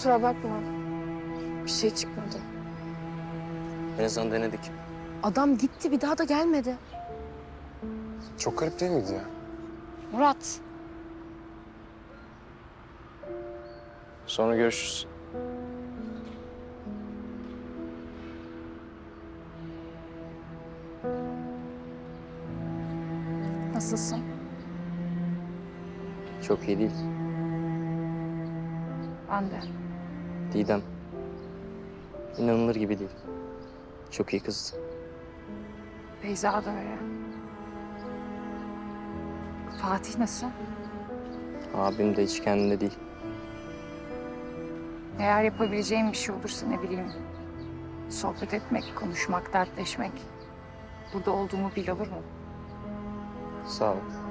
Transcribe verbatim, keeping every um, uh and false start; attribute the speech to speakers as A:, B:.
A: Kusura bakma. Bir şey çıkmadı.
B: En azından denedik.
A: Adam gitti, bir daha da gelmedi.
C: Çok garip değil miydi ya?
A: Murat.
B: Sonra görüşürüz.
A: Nasılsın?
B: Çok iyi değil.
A: Ben de.
B: Didem. İnanılır gibi değil. Çok iyi kızdı.
A: Beyza da öyle. Fatih nasıl?
B: Abim de hiç kendinde değil.
A: Eğer yapabileceğim bir şey olursa ne bileyim. Sohbet etmek, konuşmak, dertleşmek. Burada olduğumu bil, olur mu?
B: Sağ ol.